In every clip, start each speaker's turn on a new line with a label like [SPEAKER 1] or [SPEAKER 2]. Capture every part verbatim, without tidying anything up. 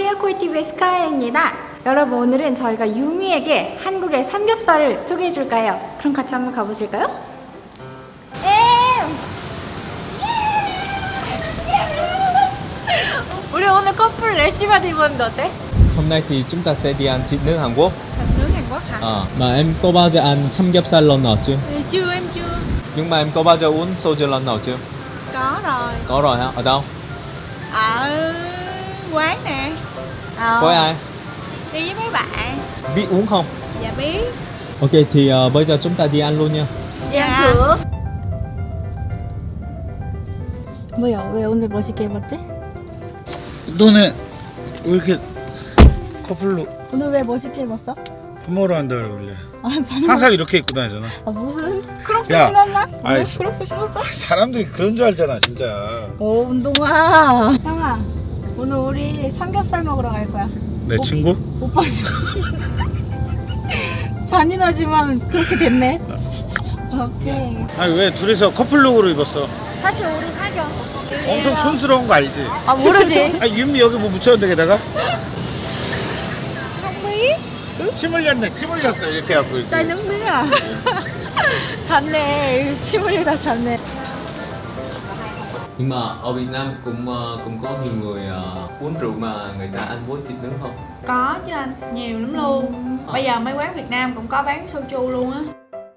[SPEAKER 1] 안녕하세요, 코이티비의 스카이입니다. 여러분, 오늘은 저희가 유미에게 한국의 삼겹살을 소개해 줄까요? 그럼 같이 한번 가보실까요? 엠! 우리 오늘 커플 레시바드 입었는데 어때?
[SPEAKER 2] Hôm nay thì chúng ta sẽ đi ăn thịt nướng Hàn Quốc.
[SPEAKER 1] Thịt nướng Hàn Quốc hả?
[SPEAKER 2] Ờ, mà em có bao giờ ăn samgyeopsal lần nào chưa?
[SPEAKER 1] Ừ, chưa, em chưa.
[SPEAKER 2] Nhưng mà em có bao giờ uống soju lần nào chưa?
[SPEAKER 1] Có rồi.
[SPEAKER 2] Có rồi hả? Ở đâu?
[SPEAKER 1] Ở quán nè. Ờ.
[SPEAKER 2] Với ai?
[SPEAKER 1] Đi với mấy bạn.
[SPEAKER 2] Biết uống không?
[SPEAKER 1] Dạ biết.
[SPEAKER 2] Ok thì uh, bây giờ chúng ta đi ăn luôn nha.
[SPEAKER 1] Đi ăn thử. 뭐야, 왜 오늘 멋있게 입었지?
[SPEAKER 3] 너네 왜 이렇게 커플로
[SPEAKER 1] 오늘 왜 멋있게 입었어?
[SPEAKER 3] 밥 먹으러 간다 그래 원래.
[SPEAKER 1] 아, 밥 먹...
[SPEAKER 3] 항상 이렇게 입고 다니잖아.
[SPEAKER 1] 아, 무슨 크록스
[SPEAKER 3] 야,
[SPEAKER 1] 신었나?
[SPEAKER 3] 아이,
[SPEAKER 1] 왜?
[SPEAKER 3] 스-
[SPEAKER 1] 크록스 신었어?
[SPEAKER 3] 사람들이 그런 줄 알잖아 진짜.
[SPEAKER 1] 오, 운동화. 형아, 오늘 우리 삼겹살 먹으러 갈 거야.
[SPEAKER 3] 내 친구?
[SPEAKER 1] 오빠 좀 잔인하지만 그렇게 됐네. 오케이.
[SPEAKER 3] 아니 왜 둘이서 커플룩으로 입었어?
[SPEAKER 1] 사실 우리 사겨.
[SPEAKER 3] 엄청 촌스러운 거 알지?
[SPEAKER 1] 아, 모르지.
[SPEAKER 3] 아니 윤미 여기 뭐 묻혔는데 게다가?
[SPEAKER 1] 형미?
[SPEAKER 3] 침 흘렸네 침 흘렸어 이렇게 해갖고 이렇게.
[SPEAKER 1] 짤 능능아. 잤네. 침 흘리다 잤네.
[SPEAKER 2] Nhưng mà ở Việt Nam cũng uh, cũng có nhiều người uh, uống rượu mà người ta ăn với thịt nướng không?
[SPEAKER 4] Có chứ anh, nhiều lắm luôn. Bây giờ mấy quán Việt Nam cũng có bán soju luôn á.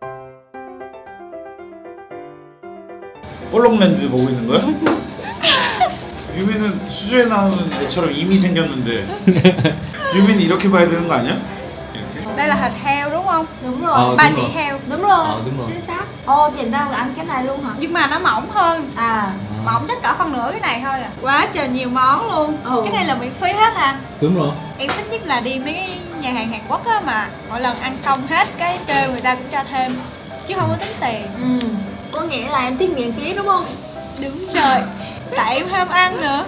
[SPEAKER 3] 볼록 렌즈 보고 있는 거야? 유미는 수조에 나오는 애처럼 이미 생겼는데 유미는 이렇게 봐야 되는 거 아니야? 이렇게?
[SPEAKER 4] Đây là thịt heo đúng không?
[SPEAKER 1] Đúng rồi.
[SPEAKER 2] Ờ,
[SPEAKER 4] Ba
[SPEAKER 2] đúng
[SPEAKER 4] chỉ
[SPEAKER 2] rồi.
[SPEAKER 4] heo.
[SPEAKER 1] Đúng rồi.
[SPEAKER 2] Ờ, đúng rồi.
[SPEAKER 1] Chính xác. Ồ, Việt Nam ăn cái này luôn hả?
[SPEAKER 4] Nhưng mà nó mỏng hơn.
[SPEAKER 1] À.
[SPEAKER 4] Mỏng chắc cỡ phân nửa cái này thôi à. Quá trời nhiều món luôn.
[SPEAKER 1] Ừ.
[SPEAKER 4] Cái này là miễn phí hết hả?
[SPEAKER 2] Đúng rồi.
[SPEAKER 4] Em thích nhất là đi mấy cái nhà hàng Hàn Quốc á, mà mỗi lần ăn xong hết cái kêu người ta cũng cho thêm, chứ không có tính tiền.
[SPEAKER 1] Ừ. Có nghĩa là em thích miễn phí đúng không?
[SPEAKER 4] Đúng rồi. Tại em ham ăn nữa.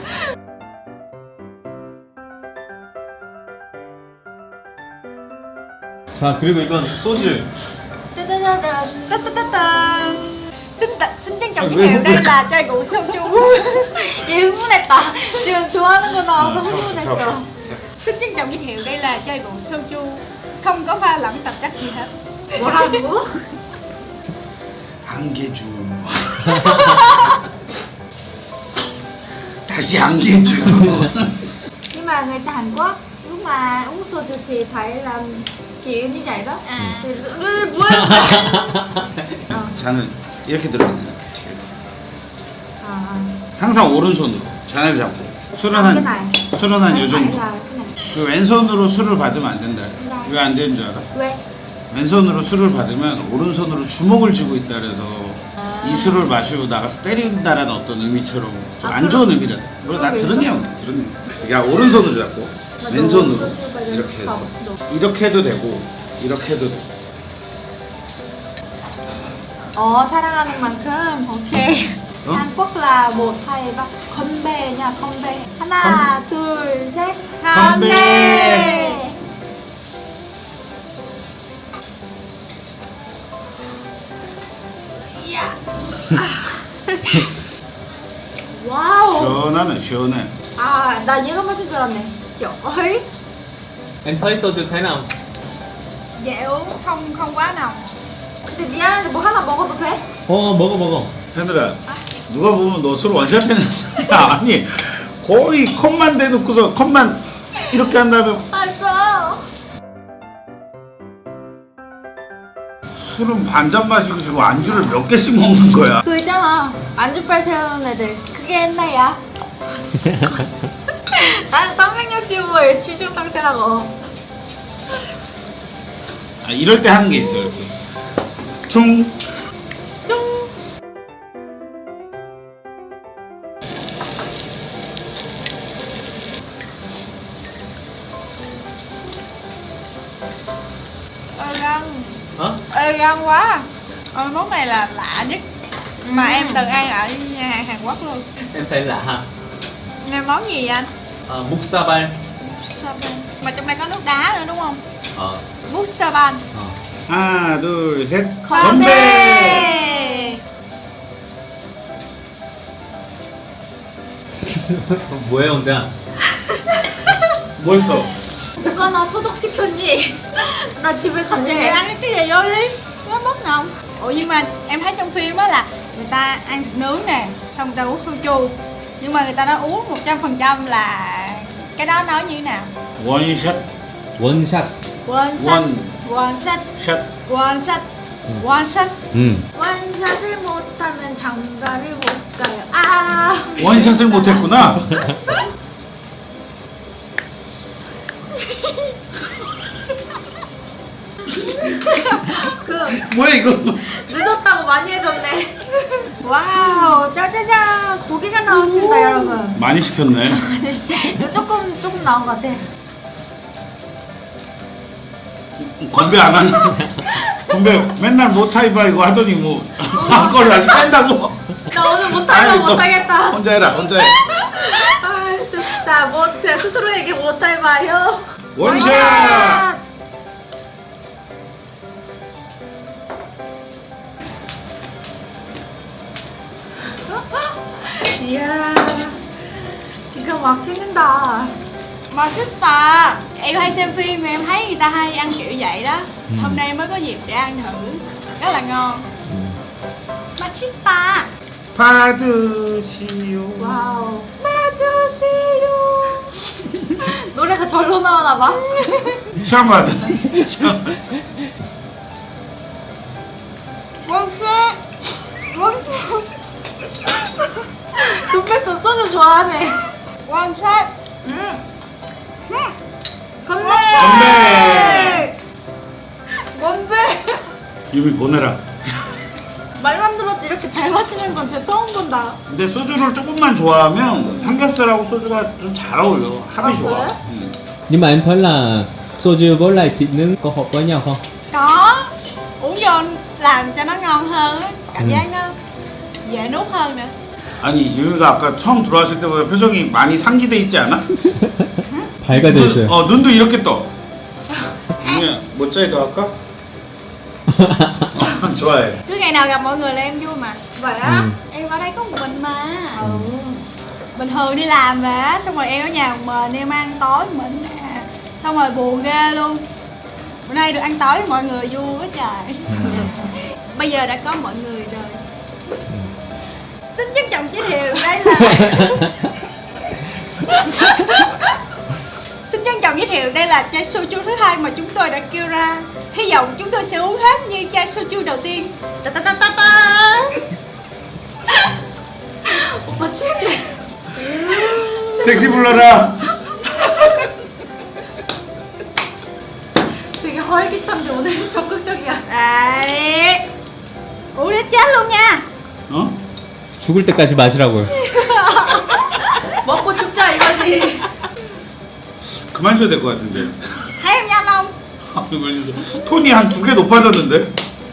[SPEAKER 3] 자 그리고 이건 소주.
[SPEAKER 1] 따따따따.
[SPEAKER 4] 따따따따. Xin, t- xin trân trọng
[SPEAKER 3] À,
[SPEAKER 4] giới
[SPEAKER 3] 왜
[SPEAKER 4] thiệu
[SPEAKER 3] không
[SPEAKER 4] đây
[SPEAKER 3] biết?
[SPEAKER 4] là chai rượu soju.
[SPEAKER 1] 얘 흥분했다. 지금 좋아하는 거 나와서 흥분했어.
[SPEAKER 4] Xin trân trọng giới thiệu đây là chai rượu soju, không có pha lẫn tạp chất gì hết.
[SPEAKER 1] 뭐라고?
[SPEAKER 3] 안개주. 다시 안개주.
[SPEAKER 1] Nhưng mà người ta Hàn Quốc lúc mà uống soju thì phải làm kiểu như vậy đó.
[SPEAKER 4] À.
[SPEAKER 1] Thì 뭐야?
[SPEAKER 3] 잔은 이렇게 들어가요.
[SPEAKER 1] 아.
[SPEAKER 3] 항상 오른손으로 잔을 잡고 술은
[SPEAKER 1] 아, cái
[SPEAKER 3] 한
[SPEAKER 1] này.
[SPEAKER 3] 술은 한 요
[SPEAKER 1] Phải
[SPEAKER 3] 정도.
[SPEAKER 1] là cái này.
[SPEAKER 3] 그 왼손으로 술을 받으면 안 된다. 왜 안 되는 줄 알아?
[SPEAKER 1] 왜?
[SPEAKER 3] 왼손으로 술을 받으면 오른손으로 주먹을 쥐고 있다 그래서 이 술을 마시고 나가서 때린다라는 어떤 의미처럼 좀 안 좋은 의미라. 뭐 나 들은 내용, 들은 내용. 야 오른손으로 잡고 왼손으로 이렇게 해서 이렇게 해도 되고 이렇게 해도 되고.
[SPEAKER 4] Ồ, 사랑하는 만큼. 오케이.
[SPEAKER 3] 어?
[SPEAKER 1] Hàn Quốc là một hai ba con bê nha, con bê. 하나, 둘, 셋.
[SPEAKER 3] 건배.
[SPEAKER 1] 와우.
[SPEAKER 3] 시원하네 시원해.
[SPEAKER 1] 아, 나 얘가 마실 줄 알았네. Trời ơi.
[SPEAKER 2] Em thấy soju thế nào?
[SPEAKER 4] Dễ uống, không không quá nồng.
[SPEAKER 1] 근데 미안한데 뭐 하나 먹어도 돼?
[SPEAKER 2] 어 먹어 먹어.
[SPEAKER 3] 하늘아 누가 보면 너 술 원샷했는 아니 거의 컵만 대놓고서 컵만 이렇게 한 다음에
[SPEAKER 1] 알았어.
[SPEAKER 3] 술은 반잔 마시고 지금 안주를 몇 개씩 먹는 거야.
[SPEAKER 1] 그 있잖아. 안주빨 세우는 애들. 그게 옛날이야. 난 삼백육십오의 취중 상태라고.
[SPEAKER 3] 아, 이럴 때 하는 게 있어 이렇게 퉁
[SPEAKER 4] Ơi gan.
[SPEAKER 2] Hả?
[SPEAKER 4] Ê gan quá. Ôi, món này là lạ nhất mà em từng ăn ở nhà hàng Hàn Quốc luôn.
[SPEAKER 2] Em thấy lạ ha.
[SPEAKER 4] Nghe món gì vậy anh?
[SPEAKER 2] Uh, Muksaban.
[SPEAKER 4] Musaban. Mà trong đây có nước đá nữa đúng không?
[SPEAKER 2] Ờ.
[SPEAKER 4] Musaban.
[SPEAKER 2] Ờ.
[SPEAKER 3] 하나 둘셋
[SPEAKER 4] 건배.
[SPEAKER 2] 뭐해 혼자?
[SPEAKER 3] 뭐 했어?
[SPEAKER 1] 누가 나 소독시켰니? 나 집에
[SPEAKER 4] Vậy
[SPEAKER 1] 갈래.
[SPEAKER 4] ăn cái gì vô đi, nó mất không? Ủa nhưng mà em thấy trong phim á là người ta ăn thịt nướng nè, xong người ta uống soju. Nhưng mà người ta nói uống một trăm phần trăm là cái đó nói như thế nào?
[SPEAKER 3] 원샷,
[SPEAKER 2] 원샷.
[SPEAKER 4] One shot,
[SPEAKER 3] 원,
[SPEAKER 4] one shot,
[SPEAKER 3] 샷.
[SPEAKER 4] one shot, one shot.
[SPEAKER 2] 음.
[SPEAKER 1] 원샷을 못하면 장가를 못 가요. 아.
[SPEAKER 3] 원샷을 못했구나.
[SPEAKER 1] 그
[SPEAKER 3] 뭐야 이것도?
[SPEAKER 1] 늦었다고 많이 해줬네. 와우, 짜자잔 고기가 나왔습니다, 여러분.
[SPEAKER 3] 많이 시켰네.
[SPEAKER 1] 이거 조금 조금 나온 것 같아.
[SPEAKER 3] 건배 안 하니? 건배 맨날 못하이바 이거 하더니 뭐한 걸로 아직 뺀다고?
[SPEAKER 1] 나 오늘
[SPEAKER 3] 아이,
[SPEAKER 1] 못하면
[SPEAKER 3] 너
[SPEAKER 1] 못하겠다.
[SPEAKER 3] 혼자 해라, 혼자 해.
[SPEAKER 1] 아, 진짜 뭐 그냥 스스로에게 못해봐요.
[SPEAKER 3] 원샷!
[SPEAKER 1] 이야, 기가 막히는다.
[SPEAKER 4] 맛있다. Em hay xem phim mà em thấy người ta hay ăn kiểu vậy đó. Hôm nay mới có dịp để ăn thử. Rất là ngon. 맛있다.
[SPEAKER 3] 받으시오.
[SPEAKER 1] 와우. 맞으세요. 노래가 절로 나오나 봐.
[SPEAKER 3] 처음 받은. 처음.
[SPEAKER 4] One shot. One shot.
[SPEAKER 1] 눈빛도 소주 좋아하네.
[SPEAKER 4] One shot.
[SPEAKER 1] 음. 건배.
[SPEAKER 3] 건배.
[SPEAKER 1] 건배.
[SPEAKER 3] 유미 보내라.
[SPEAKER 1] 말만 들었지 이렇게 잘 마시는 건 진짜 처음 본다.
[SPEAKER 3] 근데 소주를 조금만 좋아하면 삼겹살하고 소주가 좀 잘 어울려. 합이
[SPEAKER 1] 아,
[SPEAKER 3] 좋아.
[SPEAKER 1] 그래?
[SPEAKER 3] 응.
[SPEAKER 2] Nhưng mà em thấy là soju với lại thịt nướng có hợp với nhau không?
[SPEAKER 4] Có. Uống vô làm cho nó ngon hơn á. Cảm
[SPEAKER 2] Ừ.
[SPEAKER 4] giác nó dễ nuốt hơn nữa.
[SPEAKER 3] 아니 유미가 아까 처음 들어왔을 때보다 표정이 많이 상기돼 있지 않아?
[SPEAKER 2] 밝아져
[SPEAKER 3] 눈,
[SPEAKER 2] 있어요.
[SPEAKER 3] 어 눈도 이렇게 떠. 유미야 모짜이 더 할까? 어, 좋아해.
[SPEAKER 4] Cứ ngày nào gặp mọi người là em vui mà.
[SPEAKER 1] Vậy á?
[SPEAKER 2] Ừ.
[SPEAKER 4] Em ở đây có một mình mà.
[SPEAKER 1] Ừ.
[SPEAKER 4] Bình thường đi làm về á, xong rồi em ở nhà một mình em ăn tối một mình nè. Xong rồi buồn ghê luôn. Bữa nay được ăn tối với mọi người vui quá trời. Bây giờ đã có mọi người rồi. Xin trân trọng giới thiệu đây là Xin trân trọng giới thiệu đây là chai soju thứ hai mà chúng tôi đã kêu ra. Hy vọng chúng tôi sẽ uống hết như chai soju đầu tiên. Ta ta ta ta ta.
[SPEAKER 1] 오빠 취했네.
[SPEAKER 3] 택시 불러라.
[SPEAKER 1] 되게 활기찬데 오늘 적극적이야.
[SPEAKER 4] Đấy. Uống đến chết luôn nha.
[SPEAKER 3] 어?
[SPEAKER 2] 죽을 때까지 마시라고요.
[SPEAKER 1] 먹고 죽자 이거지.
[SPEAKER 3] 그만 줘야 될 것 같은데.
[SPEAKER 4] Thấy em nhanh không?
[SPEAKER 3] 아, 이거 톤이 한 두 개 높아졌는데?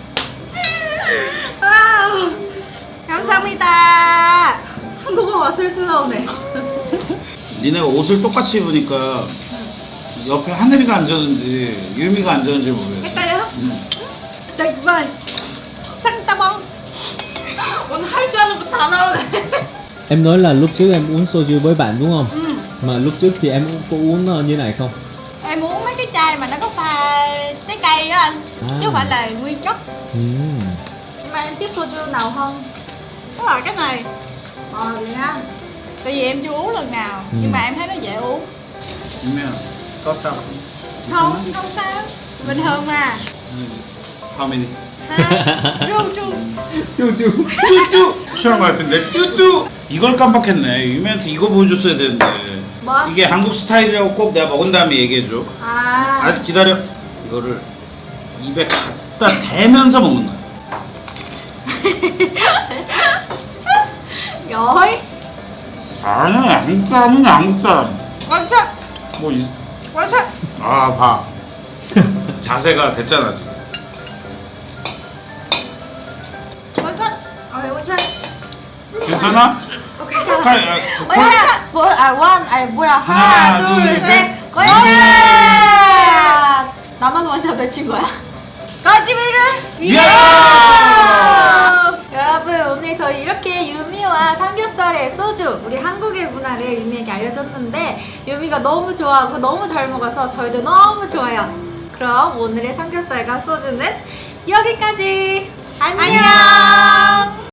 [SPEAKER 4] Wow. 감사합니다.
[SPEAKER 1] 한국어 맛술술 나오네.
[SPEAKER 3] 니네가 옷을 똑같이 입으니까 옆에 하늘이가 앉았는지 유미가 앉았는지 모르겠어.
[SPEAKER 1] 헷갈려?
[SPEAKER 3] 응.
[SPEAKER 1] 정말
[SPEAKER 4] 상따봉.
[SPEAKER 1] 오늘 할 줄 아는 거 다 나오네.
[SPEAKER 2] Em nói là lúc trước em uống soju với bạn đúng không? Mà lúc trước thì em có uống ờ, như này không?
[SPEAKER 4] Em uống mấy cái chai mà nó có pha trái cây đó anh.
[SPEAKER 2] À.
[SPEAKER 4] Chứ không phải là nguyên chất.
[SPEAKER 2] Ừm.
[SPEAKER 1] Nhưng mà em tiếp soju nào không?
[SPEAKER 4] Đó là cái này.
[SPEAKER 1] Ờ vậy ha.
[SPEAKER 4] Tại vì em chưa uống lần nào.
[SPEAKER 2] Ừ.
[SPEAKER 4] Nhưng mà em thấy nó dễ uống.
[SPEAKER 3] 유미야, 떴어.
[SPEAKER 4] Không, không sao. Bình thường mà.
[SPEAKER 3] How many?
[SPEAKER 4] Ha? Ru ru.
[SPEAKER 2] 쭈쭈.
[SPEAKER 3] 뚜뚜! 취한 것 같은데? 뚜뚜! 이걸 깜빡했네. 유미한테 이거 보여줬어야 되는데.
[SPEAKER 1] 뭐?
[SPEAKER 3] 이게 한국 스타일이라고 꼭 내가 먹은 다음에 얘기해줘.
[SPEAKER 1] 아.
[SPEAKER 3] 아직 기다려. 이거를 입에 갖다 대면서 먹는 거야.
[SPEAKER 1] 여이.
[SPEAKER 3] 아니야, 양땀은 양땀.
[SPEAKER 4] 원샷.
[SPEAKER 3] 뭐, 있...
[SPEAKER 4] 원샷.
[SPEAKER 3] 아, 봐. 자세가 됐잖아, 지금.
[SPEAKER 4] 원샷.
[SPEAKER 1] 어 오차.
[SPEAKER 3] 괜찮아?
[SPEAKER 1] 어 괜찮아.
[SPEAKER 3] 스카이, 아,
[SPEAKER 1] 뭐야? 뭐? 아 원. 아 뭐야?
[SPEAKER 3] 하나,
[SPEAKER 1] 하나,
[SPEAKER 3] 둘,
[SPEAKER 1] 둘,
[SPEAKER 3] 셋.
[SPEAKER 1] 셋. 거짓말. 나만 원샷 외친 거야? 거짓말을.
[SPEAKER 3] 이야!
[SPEAKER 1] 여러분 여러분 오늘 저희 이렇게 유미와 삼겹살의 소주 우리 한국의 문화를 유미에게 알려줬는데 유미가 너무 좋아하고 너무 잘 먹어서 저희도 너무 좋아요. 그럼 오늘의 삼겹살과 소주는 여기까지. 안녕.
[SPEAKER 4] 안녕.